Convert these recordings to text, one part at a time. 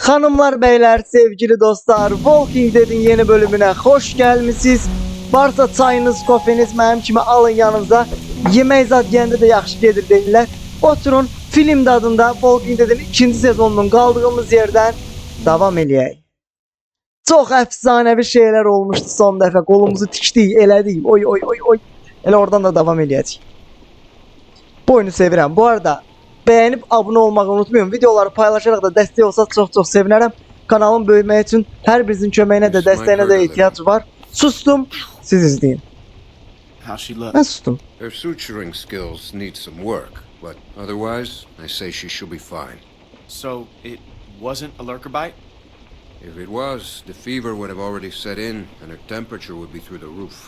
Hanımlar beyler sevgili dostlar Walking Dead'in yeni bölümüne hoş gelmişsiniz. Varsa çayınız kofeniz mənim kimi alın yanınıza. Yemək zat yəndə də yaxşı gedir deyirlər. Oturun film dadında Walking Dead'in 2. sezonunun qaldığımız yerdən davam eləyək. Çox əfsanəvi şeylər olmuşdu son dəfə. Qolumuzu tikdik, elədik. Oy oy oy oy. Elə oradan da davam eləyəcək. Bu oyunu sevirəm. Bu arada beğenip abone olmayı unutmayın. Videoları paylaşarak da destek olsa çok sevinirim. Kanalın büyümesi için her birinizin kömeğine de desteğine de ihtiyaç var. Sustum. Siz izleyin. Ben sustum. Her suturing skills need some work, but otherwise, I say she should be fine. So it wasn't a lurker bite? If it was, the fever would have already set in, and her temperature would be through the roof.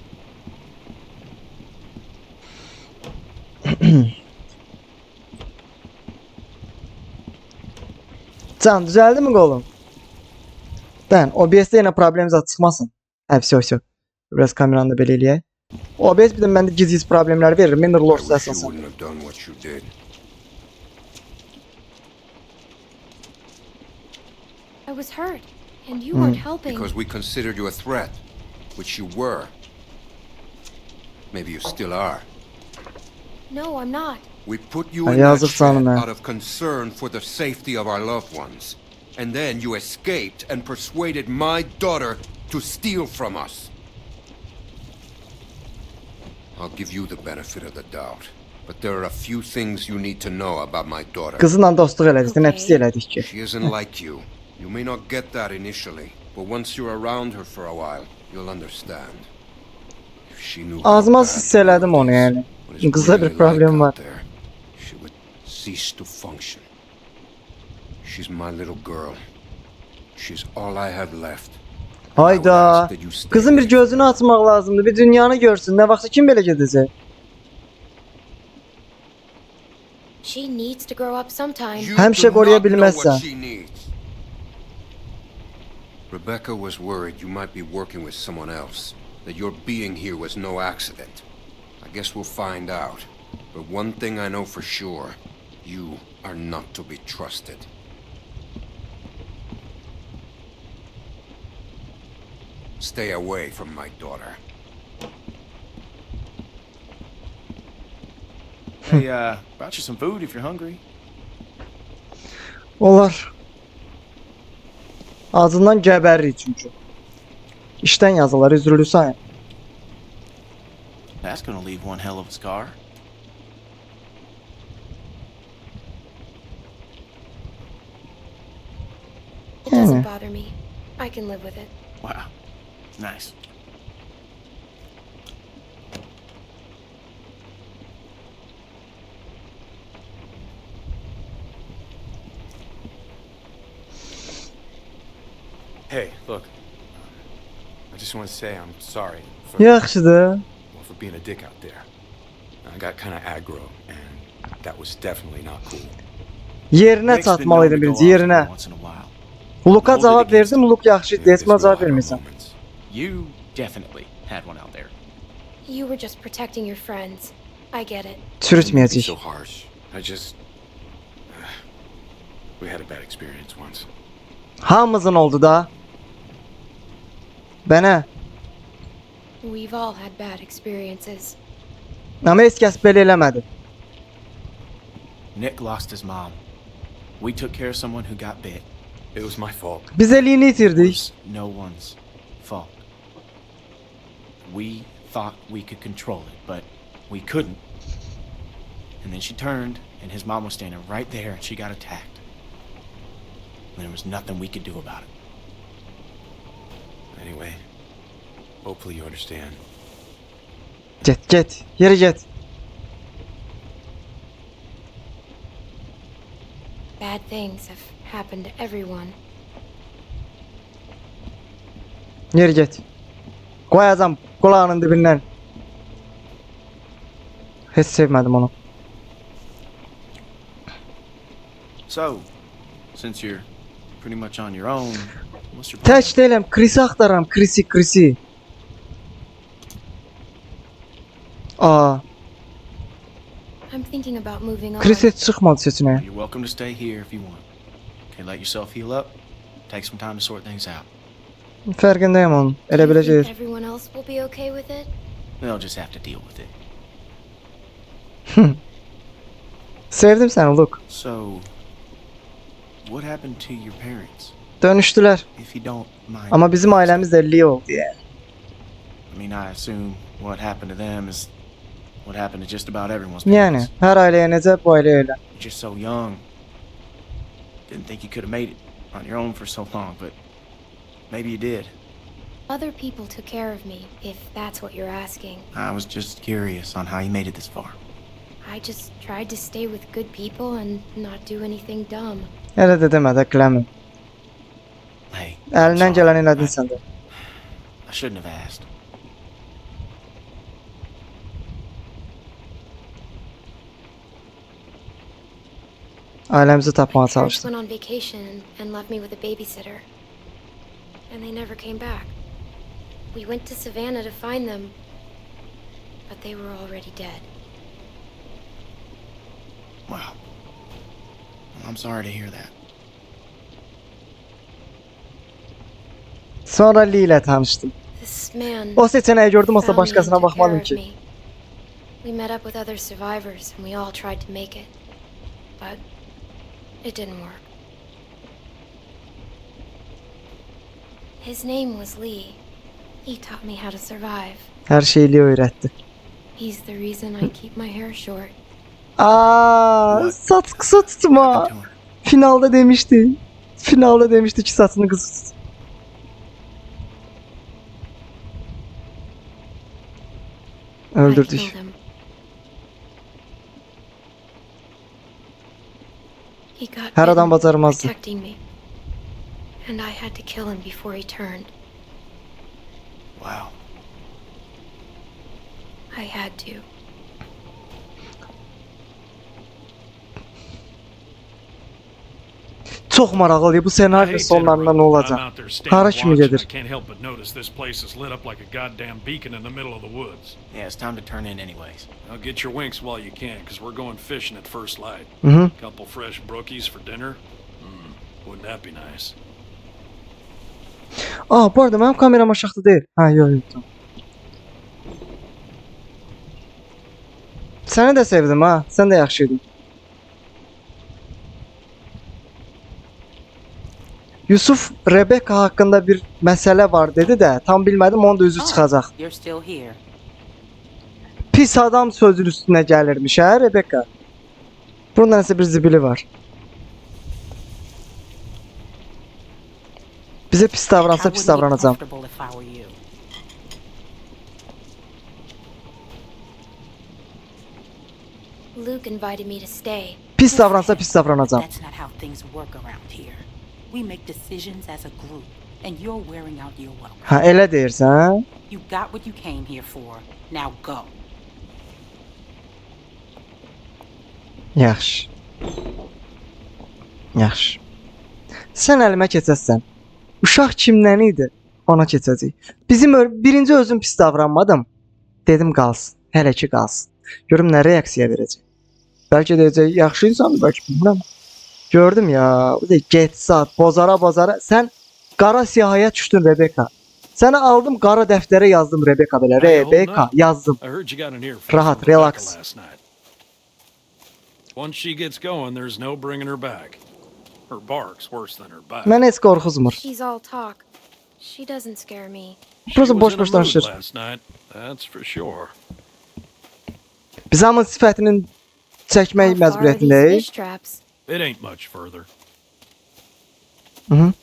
Can düzeldi mi golüm? Ben OBS'de yine problemimiz çıkmasın. Все. Biraz kameranı da belirleye. OBS bir de bende gizli problemler verir. Mineral I Loss wish you esasında. wouldn't have done what you did. I was hurt, and you weren't helping. Because we considered you a threat, which you were. Maybe you still are. No, I'm not. We put you Ay, in that yazık sana shed be. out of concern for the safety of our loved ones. And then you escaped and persuaded my daughter to steal from us. I'll give you the benefit of the doubt. But there are a few things you need to know about my daughter. Kızınla dostluq elədik. Okay. Hepsi elədik ki. She isn't like you. You may not get that initially, but once you're around her for a while, you'll understand. If she knew how Ağzıma bad siseledim onu yani. what it's Kızda bir really problem like var. out there, she would cease to function. She's my little girl. She's all I have left. Hayda. Kızın bir gözünü açmaq lazımdı. Bir dünyanı görsün. Ne vaxtsa kim belə gedəcək? She needs to grow up sometime. Həmişə qoruya bilməzsən. Rebecca was worried you might be working with someone else. That your being here was no accident. I guess we'll find out. But one thing I know for sure. You are not to be trusted. Stay away from my daughter. Hey, brought you some food if you're hungry. Olar. Ağzından gəbərir çünki. İşdən yazılar üzrülürsən. That's gonna leave one hell of a scar. It doesn't bother me. I can live with it. Wow. Nice. Hey, look. I just want to say I'm sorry Yaxşıdır. for being a dick out there. I got kind of aggro, and that was definitely not cool. Yerinə Nick's been known çatmalıydı to go birinci, off yerinə. once in a while. Huluka cavab verdim, Huluk yaxşı idi. This Esma will cavab have our vermirsən. moments. You definitely had one out there. You were just protecting your friends. I get it. Don't be Çürütməyəcək. so harsh. I just we had a bad experience once. Hamımızın oldu da. Bənə. We've all had bad experiences. Amma heç kəs belə eləmədi. Nick lost his mom. We took care of someone who got bit. It was my fault. Biz eliyini It itirdik. was no one's fault. We thought we could control it, but we couldn't. And then she turned, and his mom was standing right there, and she got attacked. And there was nothing we could do about it. Anyway, hopefully you understand. Get. Yeri get. Bad things have happened to everyone. Yeri get. Koyacağım kulağının dibindən. Heç sevmədim onu. So, since you're pretty much on your own, what's your plan? Tək deyiləm, Chris'i axtaram, Chris'i. Aa, I'm thinking about moving on. Chris heç çıxmadı seçinəyə. You're welcome to stay here if you want. Okay, let yourself heal up. Take some time to sort things out. Fərqindəyəm onun. Do Elə you think biləcək. everyone else will be okay with it? They'll just have to deal with it. Sevdim səni, Luke. So, what happened to your parents? Dönüşdülər. If you don't mind. Amma bizim ailəmiz də li oldu yəni. I mean, I assume what happened to them is what happened to just about everyone's Yəni, parents. hər ailəyə necə, bu ailəyə elə. You're just so young. Didn't think you could have made it on your own for so long, but maybe you did. Other people took care of me, if that's what you're asking. I was just curious on how you made it this far. I just tried to stay with good people and not do anything dumb. Elə də demə də, Clement. Hey, I'm Əlindən sorry. gələni elədin sən də. I shouldn't have asked. Ailəmizi tapmağa My parents çalışdım. went on vacation and left me with a babysitter. And they never came back. We went to Savannah to find them, but they were already dead. Wow. I'm sorry to hear that. Sonra Lee ilə tanışdım. This man O seçeneği gördüm, olsa found me and başkasına took care bakmadım of ki. me. We met up with other survivors and we all tried to make it. But it didn't work. His name was Lee. He taught me how to survive. Her şeyi Lee öğretti. He's the reason I keep my hair short. Aa, saç kısa tutma. Happened to her. Finalda demişti. Finalda demişti ki saçını kısa tut. I killed Öldürdük. him. He got Her adam bitten, bacarmazdı. protecting me. And I had to kill him before he turned. Wow. I had to. Çox maraqlıdır bu senaryo sonlarında nə olacaq. Hara kimi gedir? I can't help but notice this place is lit up like a goddamn beacon in the middle of the woods. Yeah, it's time to turn in anyways. Now get your winks while you can, because we're going fishing at first light. Mhm. Couple fresh brookies for dinner. Wouldn't that be nice? Aa, bu arada mənim kameram aşağıda deyil. Ha, yox, yox, tamam. Səni də sevdim ha. Sən də yaxşı idin. Yusuf Rebecca haqqında bir məsələ var dedi də, tam bilmədim, onun da üzü çıxacaq. You're still here. Pis adam sözün üstünə gəlirmiş hə Rebecca. Bunun nəsə bir zibili var. Bizə pis davransa I pis wouldn't be davranacağam. comfortable if I were you. Luke invited me to stay. Pis davransa pis davranacağam. That's not how things work around here. We make decisions as a group, and you're wearing out your welcome. Ha, elə deyirsən hə? You got what you came here for. Now go. Yaxşı. Yaxşı. Sən əlimə keçəsən. Uşaq kimdən idi? Ona keçəcək. Birinci özüm pis davranmadım. Dedim qalsın. Hələ ki qalsın. Görüm nə reaksiya verəcək. Bəlkə deyəcək, yaxşı insandır, bəlkə bilmirəm. Gördüm ya, bu da get saat, bozara. Sən qara siyahıya düşdün Rebecca. Səni aldım qara dəftərə yazdım Rebecca belə. Rebecca yazdım. I heard you got an earful Rahat, from Rebecca relax. last night. Once she gets going, there's no bringing her back. Her bark's worse than her bite. Mən heç qorxuzmur. She's all talk. She doesn't scare me. She Burası was boş in a boş mood danışır. last night, that's for sure. Biz hamı sifətinin çəkmək How far are these məcburiyyətindəyik. fish traps? It ain't much further. Mhm.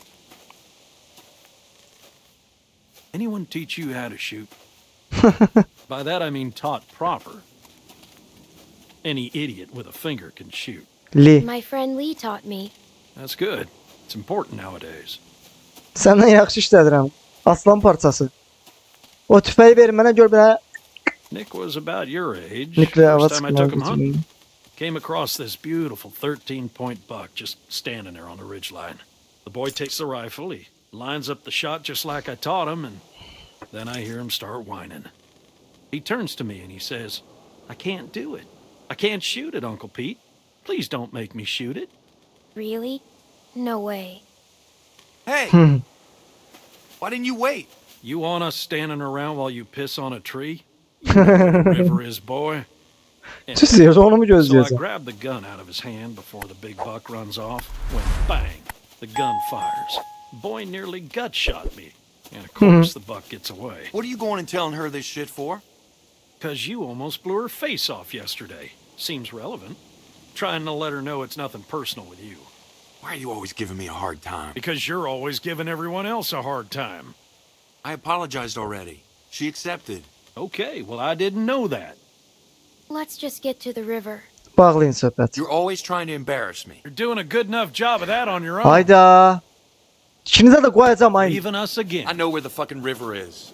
Anyone teach you how to shoot? By that I mean taught proper. Any idiot with a finger can shoot. Lee, My friend Lee taught me. That's good. It's important nowadays. səndən yaxşı işlədirəm. Aslan parçası. O tüfəyi ver mənə gör belə Nick was about your age. nükleer hava First time I took him hunting. çıxmıyor. Came across this beautiful 13-point buck just standing there on the ridgeline. The boy takes the rifle, he lines up the shot just like I taught him, and then I hear him start whining. He turns to me and he says, I can't do it. I can't shoot it, Uncle Pete. Please don't make me shoot it. Really? No way. Hey! Why didn't you wait? You want us standing around while you piss on a tree? You know where the river is, boy. Susuyorsa onu mu So I gözlüyorsun? grabbed the gun out of his hand before the big buck runs off, when bang, the gun fires. Boy nearly gut shot me. And of course the buck gets away. What are you going and telling her this shit for? 'Cause you almost blew her face off yesterday. Seems relevant. Trying to let her know it's nothing personal with you. Why are you always giving me a hard time? Because you're always giving everyone else a hard time. I apologized already. She accepted. Okay, well I didn't know that. Let's just get to the river. Bağlayın söhbət. You're always trying to embarrass me. You're doing a good enough job of that on your own. Hayda. İkinize de koyacağım aynı. Leaving us again. I know where the fucking river is.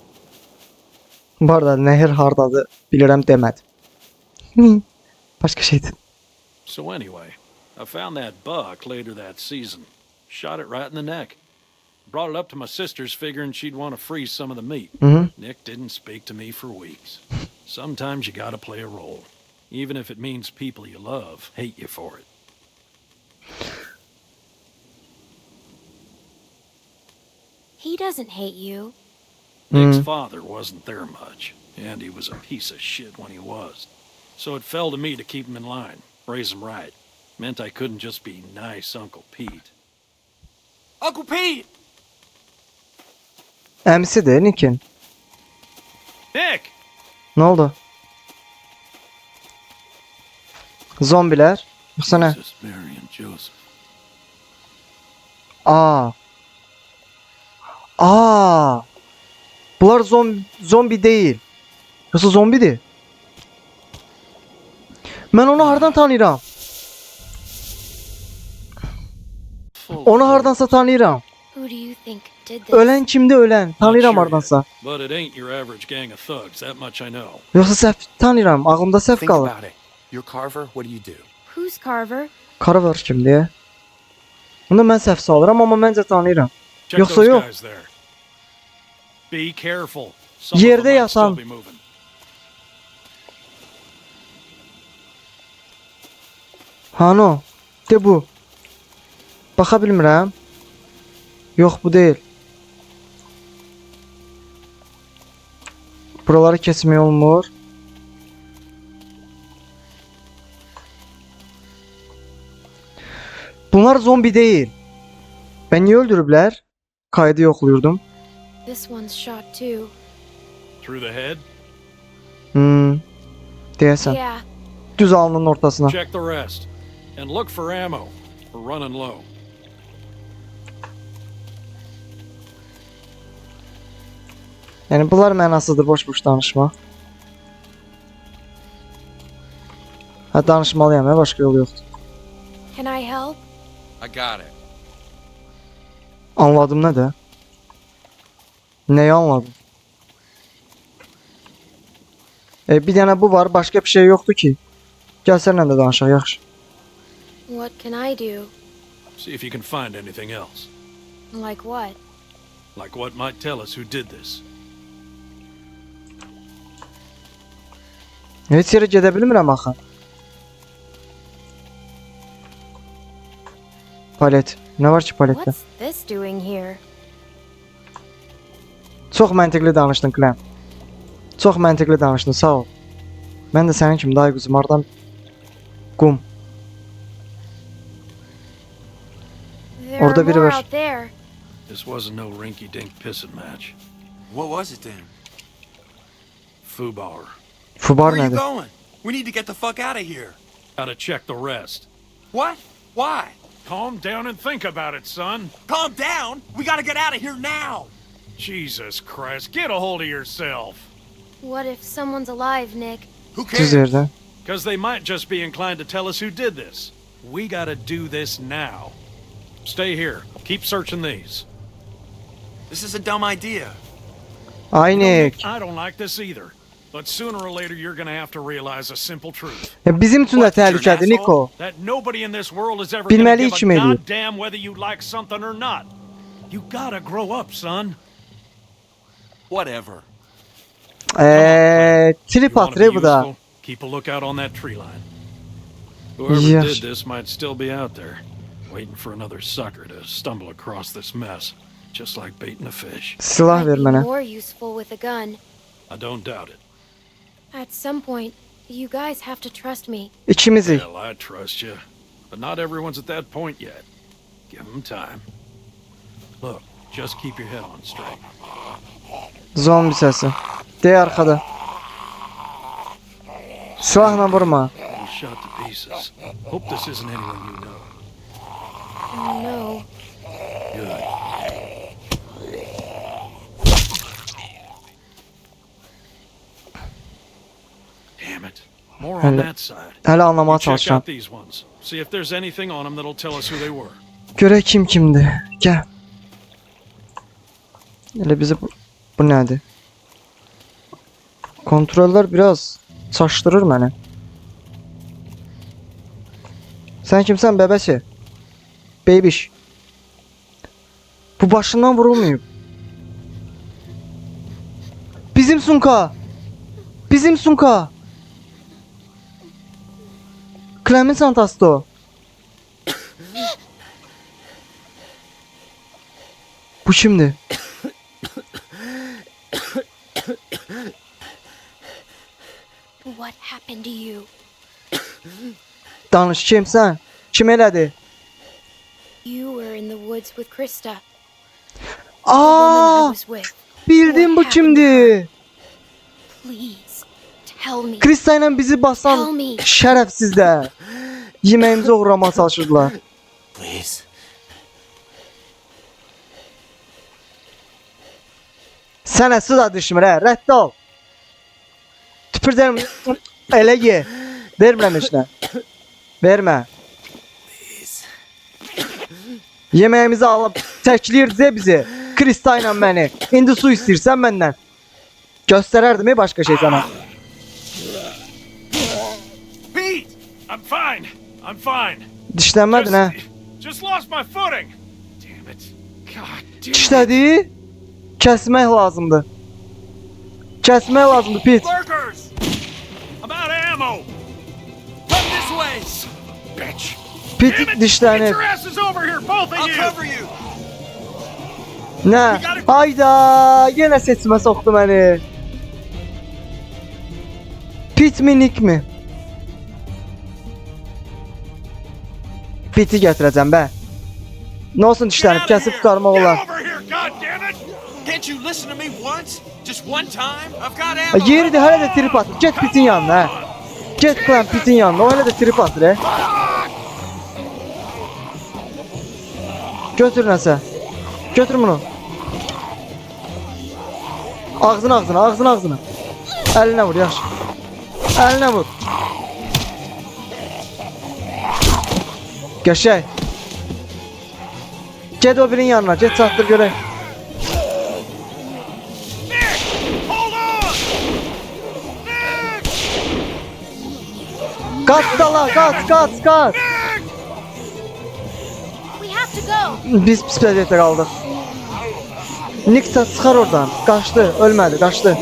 Bu arada nehir hardadır bilirəm demədi. Başqa şeydir. So anyway, I found that buck later that season. Shot it right in the neck. Brought it up to my sister's figuring she'd want to freeze some of the meat. Nick didn't speak to me for weeks. Sometimes you gotta play a role. Even if it means people you love hate you for it. He doesn't hate you. Nick's father wasn't there much, and he was a piece of shit when he was. So it fell to me to keep him in line, raise him right. Meant I couldn't just be nice Uncle Pete. Uncle Pete! Əmisidir Nick'in. Nick! Ne oldu? Zombiler. Yoksa ne? This is Mary and Joseph. Aa. Aa. Bunlar zombi değil. Yoksa zombidir. Ben onu hardan tanıyıram. Onu hardansa tanıyıram. Who do you think did this? Ölen kimdi ölen? Tanıyıram sure hardansa. But it ain't your average gang of thugs, that much I know. Yoksa səhv tanıyıram. Ağlımda səhv Think qalır. about it. You're Carver, what do you do? Who's Carver? Carver kimdi? Bunu mən səhv salıram amma məncə tanıyıram. Check Yoksa those yok. guys there. Be careful. Some of Yerde them might still yatan. be moving. Hano. De bu. Baxa bilmirəm. Yox bu deyil. Buraları kesmək olmur. Bunlar zombi değil. Ben niye öldürüblər? Kaydı yoxluyordum. This one's shot too. Through the head? Deyəsən. Yeah. Düz alnının ortasına. Check the rest. And look for ammo. We're running low. Yəni bunlar mənasızdır, boş-boş danışma. Ha danışmalıyam, başqa yolu yoxdur. Can I help? I got it. Anladım nə də? Nəyi anladım? Bir dənə bu var, başqa bir şey yoxdur ki. Gəl sənlə də danışaq, yaxşı. What can I do? See if you can find anything else. Like what? Like what might tell us who did this. Heç yerə gedə bilmirəm axı. Palet. Nə var ki paletdə? What's this doing here? Çox məntiqli danışdın, Clem. Çox məntiqli danışdın, sağ ol. Mən də sənin kimi day quzum, hardan qum. There Orada are biri more var. out there. This wasn't no rinky-dink pissing match. What was it then? Fubar. Fubar Where are you nədir? going? We need to get the fuck out of here. Gotta check the rest. What? Why? Calm down and think about it, son. Calm down. We gotta get out of here now. Jesus Christ, get a hold of yourself. What if someone's alive, Nick? Who Düz cares? yerdə. Because they might just be inclined to tell us who did this. We gotta do this now. Stay here. Keep searching these. This is a dumb idea. Aynen. I don't like this either. But sooner or later, you're gonna have to realize a simple truth. Ya bizim üçün də What, you're an təhlükədir, asshole? Niko. That nobody in this world is ever gonna Bilməliyik give kim a eləyir. goddamn whether you like something or not. You gotta grow up, son. Whatever. Trip You wanna be atır bu da. useful? Keep a lookout on that tree line. Whoever Yes. did this might still be out there. waiting for another sucker to stumble across this mess, just like baiting a fish. Silah ver Might be mənə. more useful with a gun. I don't doubt it. At some point, you guys have to trust me. İkimizik. Hell, I trust you. But not everyone's at that point yet. Give them time. Look, just keep your head on straight. Zombi səsi. Dey arxada. Silahla vurma. I'm shot to pieces. Hope this isn't anyone you know. No. Good. Damn it. More on Hello. that side. Hələ anlamaya You check çalışıram. out these ones. See if there's anything on them that'll tell us who they were. Görək kim kimdir. Gəl. Elə bizi bu nədir? Kontrollər biraz çaşdırır məni. Sən kimsən bəbəsi? Beybiş. Bu başından vurulmayıb. Bizim Sunka. Bizim Sunka. Clemin Santasto. Bu kimdir? What happened to you? Danış kimsən? Kim elədi? You were in the woods with Krista, the woman I Aa, was with. bildim bu kimdir. Please, tell me. Krista ilə bizi basan Tell me. şərəfsizlər. Yeməyimizi uğramaya çalışırdılar. Please. Sənə su da düşmür hə, rədd ol. Tüpürdərim, elə ye. Vermirəm heç nə. Vermə. Yeməyimizi alıb təkləyirdi bizi. Krista ilə məni. İndi su istəyirsən məndən. Göstərərdim başqa şey sana. Pete! I'm fine. I'm fine. Dişlənmədin hə? Just lost my footing. Damn it. God damn it. Dişlədi. Kəsmək lazımdır. Kəsmək lazımdır Pit. Lurkers! I'm out of ammo. Come this way. Bitch. Pit Damn it. Get dişlənib. your asses over here, both of you. you! Nə? Hayda, yenə seçmə soxdu məni. Pit mi, Nick mi? Pit'i gətirəcəm bə. Nə olsun dişlənib, kəsib qurtarmaq olar. Get over here, goddammit! Can't you listen to me once? Just one time? I've got ammo! Yeridir, hələ də trip atır. Get Pit'in yanına, hə. Get Clem Pit'in yanına, o hələ də trip atır, hə. Götür nəsə. Götür bunu. Ağzına, ağzına, ağzına, ağzına. Əlinə vur, yaxşı. Əlinə vur. Qəşəng. Get o birinin yanına, get çatdır görək. Hold on! Qaç dala, qaç, qaç, qaç. We have to go. Biz pis vəziyyətdə qaldıq. Nick çıxar oradan. Qaçdı, ölmədi, qaçdı.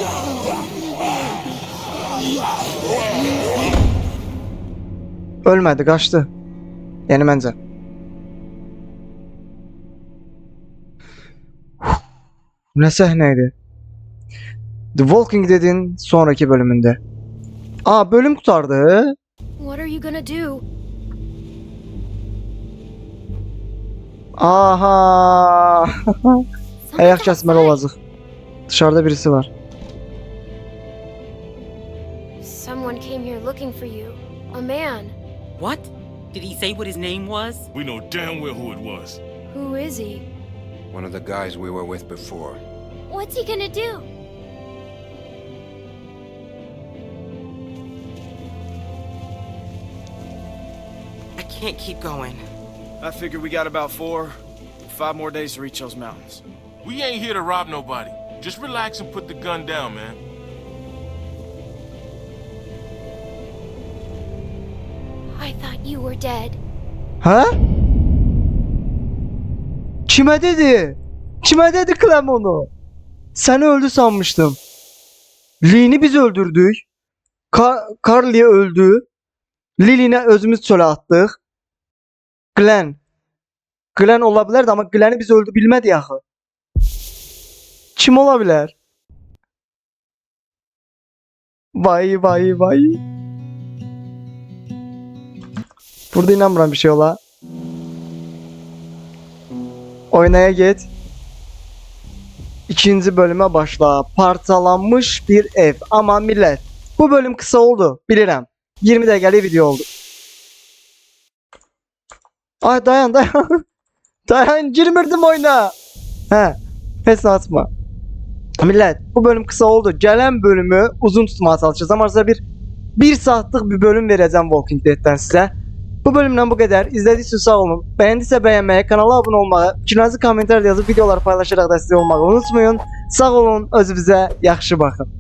Ölmədi, qaçdı. Yəni məncə. Nə səhnə idi? The Walking Dead'in sonraki bölümündə. Aa, bölüm qurtardı. What are you gonna do? Aha. Ayak Someone's kəsməli outside. olacaq. Dışarıda birisi var. Someone came here looking for you. A man. What? Did he say what his name was? We know damn well who it was. Who is he? One of the guys we were with before. What's he gonna do? I can't keep going. I figure we got about 5 more days to reach those mountains. We ain't here to rob nobody. Just relax and put the gun down, man. I thought you were dead. Hə? Kimə dedi? Kimə dedi Clem onu? Səni öldü sanmışdım. Lee'ni biz öldürdük. Carly'e öldü. Lily'ni özümüz çölə atdıq. Glenn Glenn olabilirdi ama Glenn'i biz öldü bilmedi axı. Kim olabilir? Vay vay vay. Burada inanmıram bir şey ola. Oynaya git. İkinci bölüme başla. Parçalanmış bir ev. Ama millet, bu bölüm kısa oldu. Bilirəm. 20 dəqiqəlik video oldu. Ay dayan. Dayan, girmirdim oyuna. He. Pes atma. Millet, bu bölüm kısa oldu. Gələn bölümü uzun tutmaya çalışacağım. Arada bir saatlik bir bölüm vereceğim Walking Dead'den size. Bu bölümden bu kadar. İzlediğiniz için sağ olun. Beğendiyse beğenmeyi, kanala abone olmayı, fikrinizi komentarda yazıp videoları paylaşarak destek olmayı unutmayın. Sağ olun, özünüze yaxşı bakın.